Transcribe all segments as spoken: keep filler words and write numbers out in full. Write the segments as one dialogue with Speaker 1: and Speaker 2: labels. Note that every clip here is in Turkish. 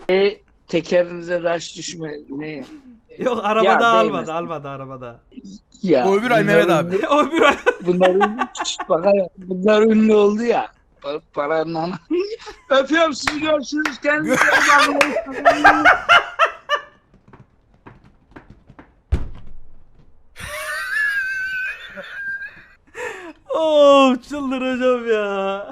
Speaker 1: E, tekerinize taş düşme ne?
Speaker 2: Yok arabada
Speaker 1: Ya,
Speaker 2: almadı
Speaker 1: değmez.
Speaker 2: almadı arabada.
Speaker 1: Ya,
Speaker 3: O öbür ay Mehmet abi.
Speaker 1: ünlü-
Speaker 2: O bir ay.
Speaker 1: Bunlar ünlü, bak hele, bunlar ünlü oldu ya. Pa- Paranın ana. Öpüyorum sizi, görüşürüz. Kendinize iyi bakın.
Speaker 2: Oo çıldıracağım ya.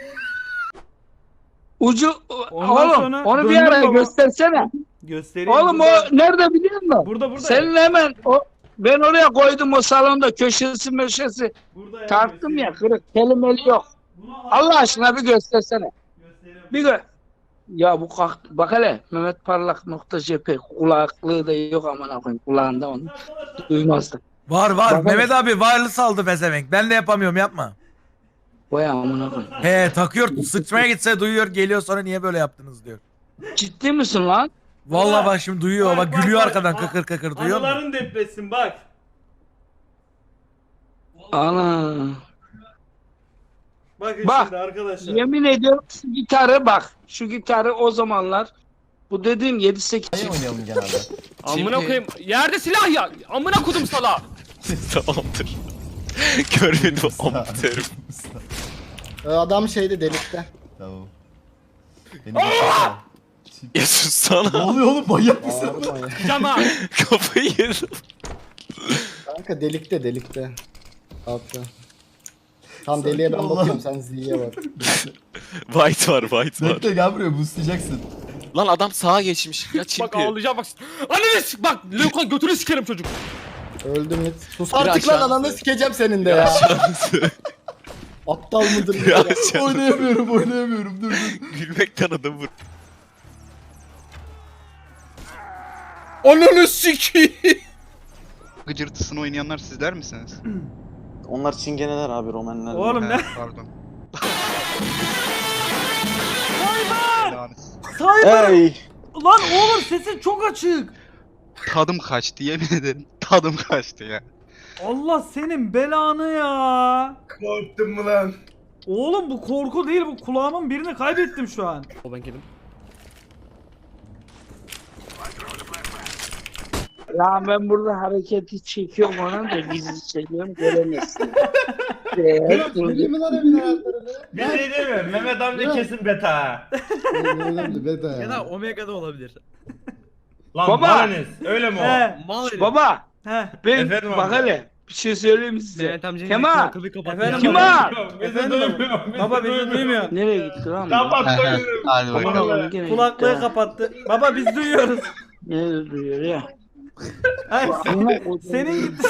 Speaker 1: Ucu
Speaker 2: Ondan
Speaker 1: oğlum
Speaker 2: sonra
Speaker 1: onu bir
Speaker 2: döndüm
Speaker 1: ara
Speaker 2: baba.
Speaker 1: göstersene.
Speaker 2: Göstereyim.
Speaker 1: Oğlum
Speaker 2: burada.
Speaker 1: o nerede biliyor musun?
Speaker 2: Burada burada.
Speaker 1: Senin hemen o ben oraya koydum o salonda köşesi möşesi.
Speaker 2: Burada ya,
Speaker 1: Tarttım ya,
Speaker 2: göstereyim.
Speaker 1: kırık kelimeli yok.
Speaker 2: Bunu al-
Speaker 1: Allah aşkına bir göstersene.
Speaker 2: Gösteriyorum.
Speaker 1: Bir gö Ya bu kalk bak hele Mehmet Parlak nokta cephe kulaklığı da yok aman koyayım kulağında onu duymazdı.
Speaker 3: Var var.
Speaker 1: Bakalım.
Speaker 3: Mehmet abi wireless aldı pezevenk. Ben de yapamıyorum, yapma.
Speaker 1: Vay amına koyayım.
Speaker 3: He takıyor, sıçmaya gitse duyuyor, geliyor sonra niye böyle yaptınız diyor.
Speaker 1: Ciddi misin lan?
Speaker 3: Vallahi bak şimdi duyuyor,
Speaker 2: Bak,
Speaker 3: bak,
Speaker 2: bak,
Speaker 3: gülüyor
Speaker 2: bak.
Speaker 3: arkadan
Speaker 2: Aa,
Speaker 3: kıkır kıkır, duyuyor musun?
Speaker 2: Anıların depresin bak.
Speaker 1: Ana.
Speaker 2: Bakın
Speaker 1: Bak,
Speaker 2: şimdi arkadaşlar.
Speaker 1: Yemin ediyorum şu gitarı bak. Şu gitarı o zamanlar bu dediğim yedi sekiz
Speaker 4: Oynayalım genelde.
Speaker 5: Amına koyayım. Yerde silah ya. Amına kodum sala.
Speaker 6: Tamamdır. Görmedim amatörüm.
Speaker 4: Ee, Adam şeyde delikte.
Speaker 7: Tamam. Beni baksana.
Speaker 6: Ya sussana.
Speaker 7: Ne oluyor oğlum, manyak mısın?
Speaker 4: Bağırma ya.
Speaker 5: Cama.
Speaker 6: Kafayı yedim.
Speaker 4: Kanka delikte delikte. Altta. Tam
Speaker 7: Sakin
Speaker 4: deliğe ben
Speaker 7: ol
Speaker 4: bakıyorum,
Speaker 7: lan.
Speaker 4: sen Z'ye bak.
Speaker 6: White var, white var.
Speaker 7: Bekle, gel buraya, boostlayacaksın.
Speaker 6: Lan adam sağa geçmiş. Ya
Speaker 5: Bak
Speaker 6: çimpi.
Speaker 5: ağlayacağım bak. Ananı s- bak. Lökon götünü sikerim çocuk.
Speaker 4: Öldüm it. Sus
Speaker 6: Bir
Speaker 4: artık lan,
Speaker 6: aşağısı.
Speaker 4: ananı sikeceğim senin de ya.
Speaker 6: Aşağısı.
Speaker 4: Aptal mıdır
Speaker 6: Bir
Speaker 4: bu ya?
Speaker 6: aşağısı.
Speaker 7: Oynayamıyorum, oynayamıyorum, dur dur.
Speaker 6: Gülmekten adam vur.
Speaker 5: Ananı sikeyim.
Speaker 8: Gıcırtısını oynayanlar sizler misiniz?
Speaker 9: Onlar çingeneler abi, Romanlar.
Speaker 2: Oğlum
Speaker 8: He,
Speaker 2: ne?
Speaker 8: pardon. Belanız.
Speaker 2: Cyber.
Speaker 9: Hey!
Speaker 2: Lan oğlum sesin çok açık.
Speaker 8: Tadım kaçtı, yemin ederim. Tadım kaçtı ya.
Speaker 2: Allah senin belanı ya.
Speaker 3: Korktun mu lan?
Speaker 2: Oğlum bu korku değil, bu kulağımın birini kaybettim şu an.
Speaker 5: O ben geldim.
Speaker 1: Ya ben burada hareketi çekiyorum ona da gizli çekiyorum göremezsin. Ee,
Speaker 4: Bileyim mi lan evin hayatlarını?
Speaker 2: Bir şey demiyorum, Mehmet amca kesin beta.
Speaker 4: Önemli beta ya.
Speaker 5: Omega'da olabilir.
Speaker 2: Lan
Speaker 1: Baba!
Speaker 2: Malanis, öyle mi o? He.
Speaker 5: Mal herif.
Speaker 1: Baba
Speaker 2: He.
Speaker 1: ben
Speaker 2: Efendim
Speaker 1: bak
Speaker 2: abi.
Speaker 1: hele bir şey söyleyeyim mi size?
Speaker 5: Mehmet amcanın
Speaker 1: Kemal!
Speaker 5: akıllı kapattı.
Speaker 2: Efendim
Speaker 1: Kim
Speaker 2: baba?
Speaker 1: o?
Speaker 2: Efendim baba. Baba bizi duymuyor.
Speaker 1: Nereye gitti lan? bu?
Speaker 8: Hadi
Speaker 1: Aman
Speaker 8: bakalım.
Speaker 1: Allah'ım, gene
Speaker 2: Kulaklığı
Speaker 1: gitti ha.
Speaker 2: kapattı. Baba biz duyuyoruz.
Speaker 1: Nerede duyuyor ya?
Speaker 2: Hayır,
Speaker 1: Amına koydum.
Speaker 2: senin gitti.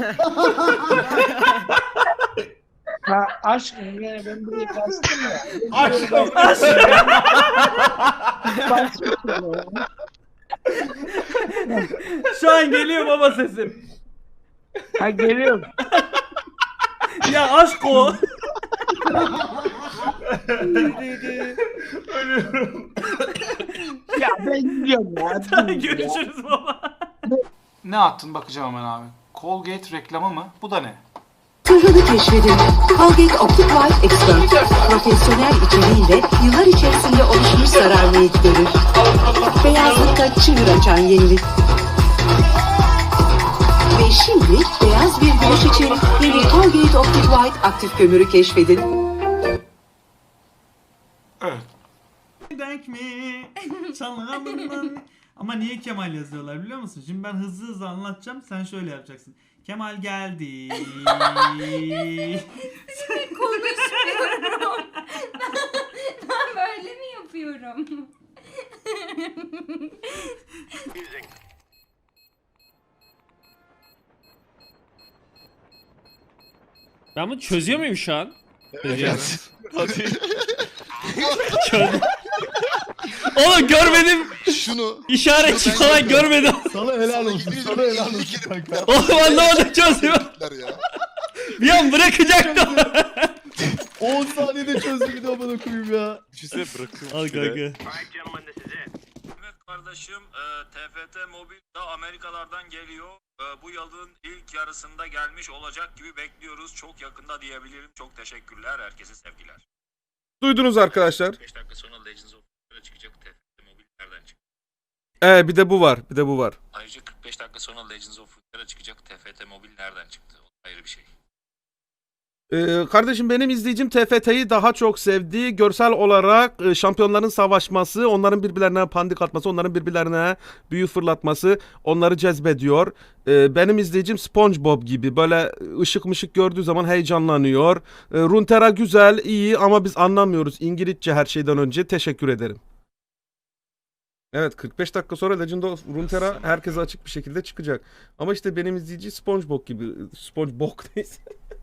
Speaker 1: Ha aşkım yani ben buraya kastım ya.
Speaker 2: Aşkım aşkım.
Speaker 1: Bastım ya.
Speaker 2: Şu an geliyor baba sesim.
Speaker 1: Ha geliyorum.
Speaker 2: Ya aşk o.
Speaker 1: Ya ben gidiyorum ya.
Speaker 2: Görüşürüz baba.
Speaker 10: Ne attın bakacağım hemen abi. Colgate reklamı mı? Bu da ne?
Speaker 11: Sırrını keşfedin. Colgate Optic White Expert. Profesyonel içeriğiyle yıllar içerisinde oluşmuş zararlıyı giderir. Beyazlıkta çığır açan yenilik. Ve şimdi beyaz bir güneş için yeni Colgate Optic White aktif kömürü keşfedin.
Speaker 10: Evet.
Speaker 2: Denk mi? Çalalımdan. Ama niye Kemal yazıyorlar biliyor musun? Şimdi ben hızlı hızlı anlatacağım. Sen şöyle yapacaksın. Kemal geldi.
Speaker 12: Konuşmuyorum. ben, ben böyle mi yapıyorum?
Speaker 5: Ben bunu çözüyor muyum şu an?
Speaker 6: Hadi.
Speaker 5: Oğlum görmedim.
Speaker 7: Şunu.
Speaker 5: İşaretçi falan görmedim.
Speaker 7: Sana helal olsun, sana helal olsun kanka.
Speaker 5: Oğlum anlamadım çözüyor. Bir an bırakacaktım.
Speaker 7: on saniyede çözdü bir de bana koyayım ya.
Speaker 6: Düşünsene bırakıyorum.
Speaker 5: Al kanka.
Speaker 13: Evet kardeşim, e, T F T Mobil da Amerikalardan geliyor. E, bu yılın ilk yarısında gelmiş olacak gibi bekliyoruz. Çok yakında diyebilirim. Çok teşekkürler. Herkese sevgiler.
Speaker 3: Duydunuz arkadaşlar.
Speaker 13: beş dakika sonra Legends of Heroes'a çıkacak T F T Mobil nereden çıktı?
Speaker 3: Ee, bir de bu var. Bir de bu var.
Speaker 13: Ayrıca kırk beş dakika sonra Legends of Runeterra çıkacak. T F T Mobil nereden çıktı? O ayrı bir şey.
Speaker 3: Ee, kardeşim benim izleyicim T F T'yi daha çok sevdi. Görsel olarak e, şampiyonların savaşması, onların birbirlerine pandik atması, onların birbirlerine büyü fırlatması onları cezbediyor. Ee, benim izleyicim SpongeBob gibi böyle ışık mışık gördüğü zaman heyecanlanıyor. Ee, Runeterra güzel, iyi ama biz anlamıyoruz İngilizce her şeyden önce. Teşekkür ederim. Evet, kırk beş dakika sonra Legend of Runeterra herkese açık bir şekilde çıkacak. Ama işte benim izleyici SpongeBob gibi. SpongeBob neyse.